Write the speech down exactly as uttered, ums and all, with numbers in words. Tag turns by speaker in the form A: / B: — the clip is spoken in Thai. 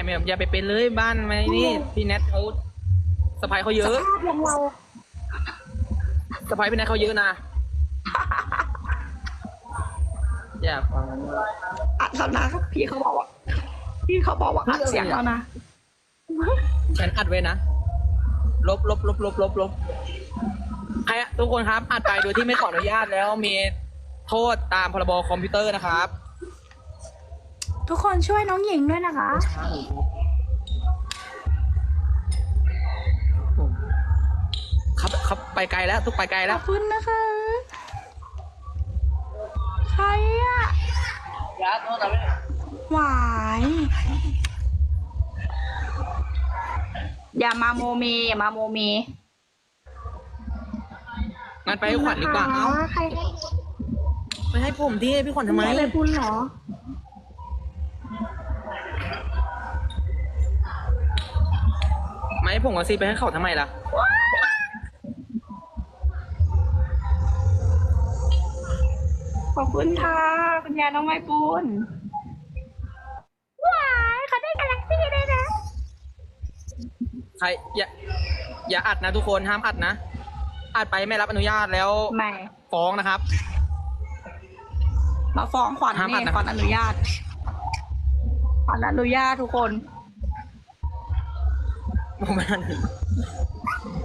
A: ไม่อย่าไปเป็นเลยบ้านไหมนี่พี่แนทเขาสะพายเขาเย
B: ส
A: อะ
B: ภาพอย่างเรา
A: สะพายพี่แนทเขาเยอะนะอย่าฟัง
B: อัดแล้วนะพี่เขาบอกว่าพี่เขาบอกว่าอัดเสียงแล้วนะ
A: ฉันอัดไว้นะลบลบลบลบลบลบใครอะทุกคนครับอัดไปโดยที่ไม่ขออนุญาตแล้วมีโทษตามพรบคอมพิวเตอร์นะครับ
B: ทุกคนช่วยน้องหญิงด้วยนะคะ
A: ครับครับไปไกลแล้วทุกไปไกล
B: ข
A: แล้
B: อ
A: ว
B: บคุณนะคะ ใครอะหวายอย่ามาโมเมอย่ามาโมเม
A: งั้นไปให้ขวัญดีกว่าเอ้า
B: ใครให้
A: ไม่ให้ผมที่พี่ขวัญทำไม
B: อะไรคุณเหรอ
A: ไม่ให้ผมกับซีไปให้เขาทำไมล่ะ
B: ขอบคุณค่ะคุณยายน้องไม้ปูนว้ายเขาได้กาแล็กซี่ด้วยนะ
A: ใครอย่าอย่าอัดนะทุกคนห้ามอัดนะอัดไปไม่รับอนุญาตแล้ว
B: ไม่
A: ฟ้องนะครับ
B: มาฟ้องขวัญ
A: ห้ามอั
B: นี่
A: ดนะ
B: ขวัญอนุญาตขวัญอนุญาตทุกคน
A: ผมไม่ทัน